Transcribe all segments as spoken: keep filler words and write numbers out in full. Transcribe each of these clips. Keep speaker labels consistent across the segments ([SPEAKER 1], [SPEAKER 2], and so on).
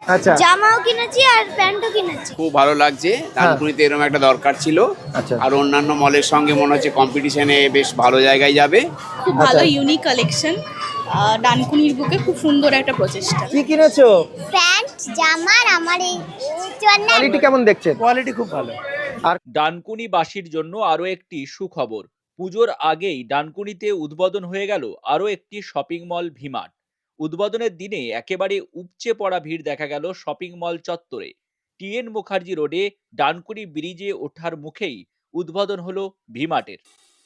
[SPEAKER 1] আচ্ছা,
[SPEAKER 2] জামাও কিনেছি আর প্যান্টও কিনেছি।
[SPEAKER 3] খুব ভালো লাগছে, ডানকুনিতে এরকম একটা দরকার ছিল।
[SPEAKER 1] আচ্ছা।
[SPEAKER 3] আর অন্যান্য মলের সঙ্গে মনে হচ্ছে কম্পিটিশনে বেশ ভালো জায়গায় যাবে।
[SPEAKER 4] খুব ভালো ইউনিক কালেকশন, ডানকুনির বুকে খুব সুন্দর একটা প্রচেষ্টা।
[SPEAKER 1] কি কিনেছো?
[SPEAKER 2] প্যান্ট, জামা আর আমার এই জন্য
[SPEAKER 1] কোয়ালিটি কেমন দেখছেন?
[SPEAKER 5] কোয়ালিটি খুব ভালো।
[SPEAKER 6] ডানকুনিবাসীর জন্য আরও একটি সুখবর। পুজোর আগেই ডানকুনিতে উদ্বোধন হয়ে গেল আরও একটি শপিং মল ভিমার্ট। উদ্বোধনের দিনে একেবারে উপচে পড়া ভিড় দেখা গেল শপিং মল চত্বরে। টিএন মুখার্জি রোডে ডানকুনি ব্রিজে ওঠার মুখেই উদ্বোধন হলো ভিমার্টের।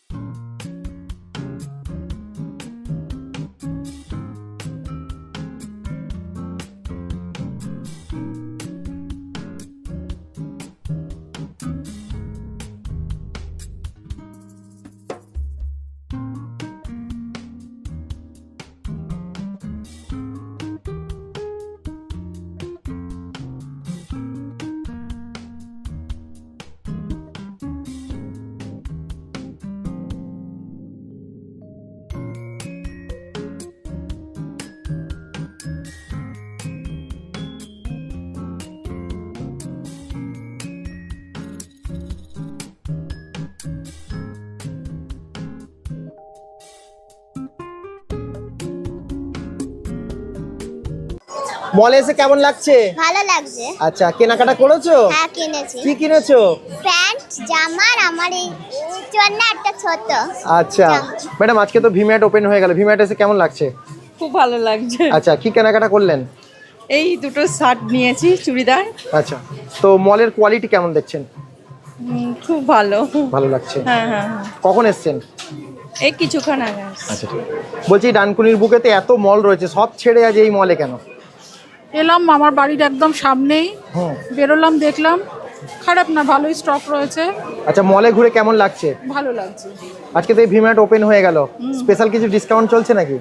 [SPEAKER 1] মলে এসে কেমন লাগছে?
[SPEAKER 2] ভালো লাগছে।
[SPEAKER 1] আচ্ছা, কেনাকাটা করেছো?
[SPEAKER 2] হ্যাঁ কিনেছি।
[SPEAKER 1] কি কিনেছো?
[SPEAKER 2] প্যান্ট, জামা আর আমার এই জন্য একটা ছোট।
[SPEAKER 1] আচ্ছা ম্যাডাম, আজকে তো ভিম্যাট ওপেন হয়ে গেল, ভিম্যাট এসে কেমন লাগছে?
[SPEAKER 4] খুব ভালো লাগছে।
[SPEAKER 1] আচ্ছা, কি কেনাকাটা করলেন?
[SPEAKER 4] এই দুটো শার্ট নিয়েছি, চুড়িদার।
[SPEAKER 1] আচ্ছা, তো মলের কোয়ালিটি কেমন দেখছেন?
[SPEAKER 4] উম, খুব ভালো।
[SPEAKER 1] ভালো লাগছে।
[SPEAKER 4] হ্যাঁ হ্যাঁ হ্যাঁ।
[SPEAKER 1] কখন এসছেন?
[SPEAKER 4] এই কিছুক্ষণ আগে আসছি।
[SPEAKER 1] আচ্ছা, বলছি ডানকুনির বুকেতে এত মল রয়েছে, সব ছেড়ে আজ এই মলে কেন?
[SPEAKER 7] এলাম আমার বাড়ির একদম সামনেই,
[SPEAKER 1] হুম।
[SPEAKER 7] বেরোলাম, দেখলাম খারাপ না, ভালোই স্টক রয়েছে।
[SPEAKER 1] আচ্ছা, মলে ঘুরে কেমন লাগছে?
[SPEAKER 7] ভালো লাগছে।
[SPEAKER 1] আজকে তো এই ভিম্যাট ওপেন হয়ে গেল, স্পেশাল কিছু ডিসকাউন্ট চলছে নাকি?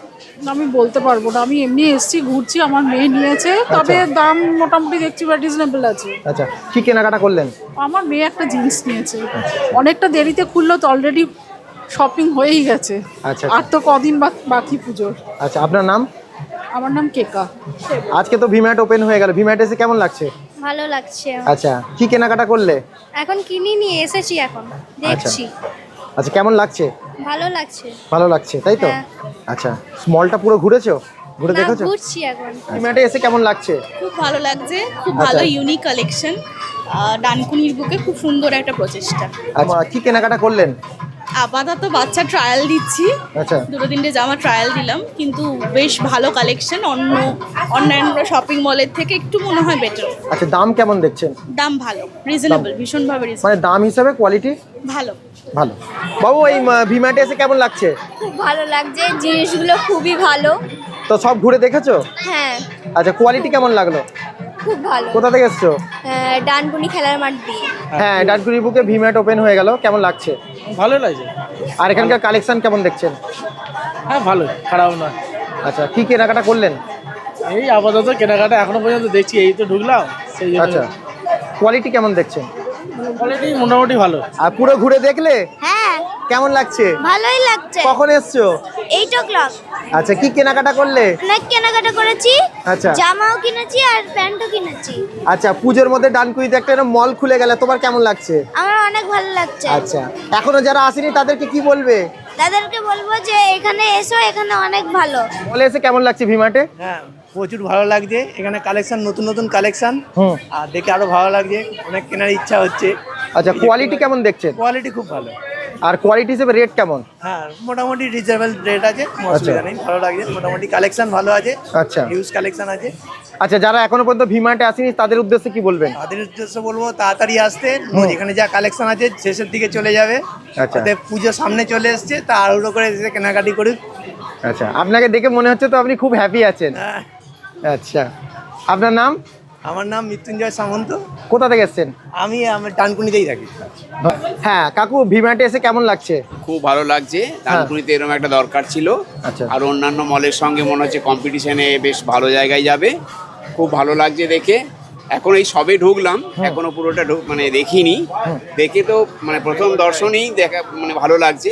[SPEAKER 7] আমি বলতে পারবো না, আমি এমনি এসছি, ঘুরছি, আমার মেয়ে নিয়েছে, তবে দাম মোটামুটি দেখছি বা রিজনেবল আছে।
[SPEAKER 1] আচ্ছা, কি কেনাকাটা করলেন?
[SPEAKER 7] আমার মেয়ে একটা জিন্স নিয়েছে, অনেকটা দেরিতে খুললো তো, অলরেডি শপিং হয়েই গেছে।
[SPEAKER 1] আচ্ছা,
[SPEAKER 7] আর তো কদিন বা- বাকি পুজোর।
[SPEAKER 1] আচ্ছা, আপনার নাম?
[SPEAKER 7] আমার নাম কেকা।
[SPEAKER 1] আজকে তো ভিম্যাট ওপেন হয়ে গেল, ভিম্যাট এসে কেমন লাগছে?
[SPEAKER 2] ভালো লাগছে।
[SPEAKER 1] আচ্ছা, কি কেনাকাটা করলে?
[SPEAKER 2] এখন কিনি নিয়ে এসেছি, এখন দেখছি।
[SPEAKER 1] আচ্ছা, কেমন লাগছে?
[SPEAKER 2] ভালো লাগছে।
[SPEAKER 1] ভালো লাগছে, তাই তো?
[SPEAKER 2] হ্যাঁ।
[SPEAKER 1] আচ্ছা, মলটা পুরো ঘুরেছো? ঘুরে
[SPEAKER 2] না,
[SPEAKER 1] দেখেছো?
[SPEAKER 2] ঘুরছি এখন।
[SPEAKER 1] ভিম্যাটে এসে কেমন লাগছে?
[SPEAKER 4] খুব ভালো লাগছে, খুব
[SPEAKER 1] আচ্ছা।
[SPEAKER 4] ভালো ইউনিক কালেকশন, ডানকুনির বুকে খুব সুন্দর একটা প্রচেষ্টা।
[SPEAKER 1] আচ্ছা, কি কেনাকাটা করলেন?
[SPEAKER 4] আপাতত বাচ্চা ট্রায়াল দিচ্ছি,
[SPEAKER 1] আচ্ছা,
[SPEAKER 4] দুটো তিনটে জামা ট্রায়াল দিলাম, কিন্তু বেশ ভালো কালেকশন, অন্য অন্যান্য শপিং মলের থেকে একটু মনে হয় বেটার।
[SPEAKER 1] আচ্ছা, দাম কেমন দেখছেন?
[SPEAKER 4] দাম ভালো, রিজনেবল, ভীষণভাবে রিজনেবল,
[SPEAKER 1] মানে দাম হিসাবে কোয়ালিটি
[SPEAKER 4] ভালো।
[SPEAKER 1] ভালো। বাবু, এই ভিম্যাটে এসে কেমন লাগছে?
[SPEAKER 2] খুব ভালো লাগছে, জিনিসগুলো খুবই ভালো।
[SPEAKER 1] তো সব ঘুরে দেখেছো?
[SPEAKER 2] হ্যাঁ,
[SPEAKER 1] আচ্ছা, কোয়ালিটি কেমন লাগলো?
[SPEAKER 2] খুব ভালো।
[SPEAKER 1] কোথা থেকে এসছো?
[SPEAKER 2] আহ, ডানকুনি খেলার মাঠ দিয়ে।
[SPEAKER 1] হ্যাঁ, ডানকুনির বুকে ভিম্যাট ওপেন হয়ে গেল, কেমন লাগছে?
[SPEAKER 5] ভালো লাগছে।
[SPEAKER 1] আর এখানকার কালেকশন কেমন দেখছেন?
[SPEAKER 5] হ্যাঁ ভালো, খারাপ না।
[SPEAKER 1] আচ্ছা, কি কেনাকাটা করলেন?
[SPEAKER 5] এই আপাতত কেনাকাটা এখনো পর্যন্ত দেখছি, এই তো ঢুকলাম, সেই জন্য।
[SPEAKER 1] আচ্ছা, কোয়ালিটি কেমন দেখছেন?
[SPEAKER 5] কোয়ালিটি মোটামুটি ভালো।
[SPEAKER 1] আর পুরো ঘুরে দেখলে
[SPEAKER 2] হ্যাঁ,
[SPEAKER 1] কেমন লাগছে?
[SPEAKER 2] ভালোই লাগছে।
[SPEAKER 1] কখন এসছো?
[SPEAKER 2] Eight o'clock.
[SPEAKER 1] আচ্ছা, কি কেনাকাটা করলে?
[SPEAKER 2] অনেক কেনাকাটা করেছি।
[SPEAKER 1] আচ্ছা।
[SPEAKER 2] জামাও কিনেছি আর প্যান্টও কিনেছি।
[SPEAKER 1] আচ্ছা, পুজোর মধ্যে ডানকুনিতে একটা এরকম মল খুলে গেল, তোমার কেমন লাগছে?
[SPEAKER 2] আমার অনেক ভালো লাগছে।
[SPEAKER 1] আচ্ছা, এখনো যারা আসেনি তাদেরকে কি বলবে?
[SPEAKER 2] তাদেরকে বলবো যে এখানে এসো, এখানে অনেক ভালো।
[SPEAKER 1] মলে এসে কেমন লাগছে ভিম্যাটে?
[SPEAKER 5] হ্যাঁ, প্রচুর ভালো লাগছে, এখানে কালেকশন, নতুন নতুন কালেকশন,
[SPEAKER 1] হুম।
[SPEAKER 5] আর দেখে আরো ভালো লাগছে, অনেক কেনার ইচ্ছা হচ্ছে।
[SPEAKER 1] আচ্ছা, কোয়ালিটি কেমন দেখছেন?
[SPEAKER 5] কোয়ালিটি খুব ভালো।
[SPEAKER 1] আর কোয়ালিটি হিসেবে রেট কেমন?
[SPEAKER 5] হ্যাঁ, মোটামুটি রিজনেবল রেট আছে, অসুবিধা নেই, ভালো লাগছে, মোটামুটি কালেকশন ভালো আছে।
[SPEAKER 1] আচ্ছা।
[SPEAKER 5] হিউজ কালেকশন আছে।
[SPEAKER 1] আচ্ছা, যারা এখনো পর্যন্ত ভিম্যাটে আসেনি তাদের উদ্দেশ্যে কি বলবেন?
[SPEAKER 5] তাদের উদ্দেশ্য বলবো তাড়াতাড়ি আসতে, এখানে যা কালেকশন আছে শেষের দিকে চলে যাবে।
[SPEAKER 1] আচ্ছা।
[SPEAKER 5] তাতে পুজো সামনে চলে এসছে, তা আরো করে এসে কেনাকাটি করুক।
[SPEAKER 1] আচ্ছা, আপনাকে দেখে মনে হচ্ছে তো আপনি খুব হ্যাপি আছেন।
[SPEAKER 5] হ্যাঁ,
[SPEAKER 1] আচ্ছা, আপনার নাম?
[SPEAKER 5] আমার নাম মৃত্যুঞ্জয় সামন্ত,
[SPEAKER 1] কোথা থেকে এসেছেন?
[SPEAKER 5] আমি আমার ডানকুনিতেই থাকি।
[SPEAKER 1] হ্যাঁ কাকু, ভিম্যাটে এসে কেমন লাগছে?
[SPEAKER 3] খুব ভালো লাগছে, ডানকুনিতে এরকম একটা দরকার ছিল।
[SPEAKER 1] আচ্ছা।
[SPEAKER 3] আর অন্যান্য মলের সঙ্গে মনে হচ্ছে কম্পিটিশনে বেশ ভালো জায়গায় যাবে। খুব ভালো লাগছে দেখে। এখন এই সবে ঢুকলাম, এখনো পুরোটা ঢুক মানে দেখিনি, দেখে তো মানে প্রথম দর্শনেই দেখা মানে ভালো লাগছে।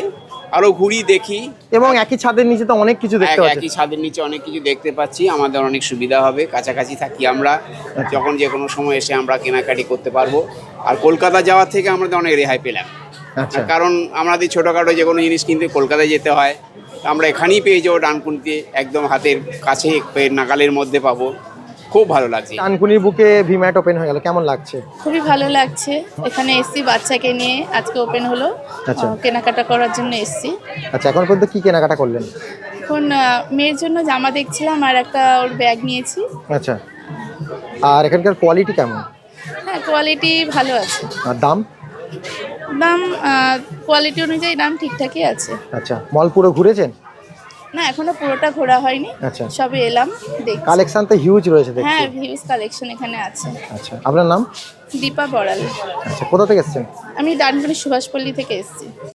[SPEAKER 3] আরো ঘুরি দেখি।
[SPEAKER 1] এবং একই ছাদের নিচে তো অনেক কিছু দেখতে
[SPEAKER 3] এক-
[SPEAKER 1] পাচ্ছি।
[SPEAKER 3] একই ছাদের নিচে অনেক কিছু দেখতে পাচ্ছি, আমাদের অনেক সুবিধা হবে, কাছাকাছি থাকি আমরা, যখন যে কোনো সময় এসে আমরা কেনাকাটি করতে পারবো। আর কলকাতা যাওয়ার থেকে আমাদের অনেক রেহাই পেলাম,
[SPEAKER 1] আচ্ছা,
[SPEAKER 3] কারণ আমাদের ছোটোখাটো যে কোনো জিনিস কিনতে কলকাতায় যেতে হয়, আমরা এখানেই পেয়ে যাবো, ডানকুনিতে একদম হাতের কাছে পেয়ে নাগালের মধ্যে পাবো। খুব ভালো লাগছে।
[SPEAKER 1] ডানকুনির বুকে ভিম্যাট ওপেন হয়ে গেল, কেমন লাগছে?
[SPEAKER 8] খুবই ভালো লাগছে। এখানে এসছি বাচ্চাকে নিয়ে, আজকে ওপেন হলো,
[SPEAKER 1] আচ্ছা।
[SPEAKER 8] আহ, কেনাকাটা করার জন্য এসছি।
[SPEAKER 1] আচ্ছা, এখন পর্যন্ত কি কেনাকাটা করলেন?
[SPEAKER 8] এখন আহ, মেয়ের জন্য জামা দেখছিলাম আর একটা ওর ব্যাগ নিয়েছি।
[SPEAKER 1] আচ্ছা, আর এখানকার কোয়ালিটি কেমন?
[SPEAKER 8] হ্যাঁ, কোয়ালিটি ভালো আছে।
[SPEAKER 1] আর দাম?
[SPEAKER 8] দাম কোয়ালিটি অনুযায়ী দাম ঠিকঠাকই আছে।
[SPEAKER 1] আচ্ছা, মল পুরো ঘুরেছেন?
[SPEAKER 8] না, এখনো পুরোটা ঘোরা হয়নি,
[SPEAKER 1] আচ্ছা,
[SPEAKER 8] সবে এলাম দেখছি।
[SPEAKER 1] কালেকশন তো হিউজ রয়েছে দেখছি।
[SPEAKER 8] হ্যাঁ, ভিউজ কালেকশন এখানে আছে।
[SPEAKER 1] আচ্ছা, আপনার নাম?
[SPEAKER 8] দীপা বড়াল।
[SPEAKER 1] আচ্ছা, কোথা থেকে এসেছেন?
[SPEAKER 8] আমি ডানকুনি সুভাষপল্লী থেকে এসেছি।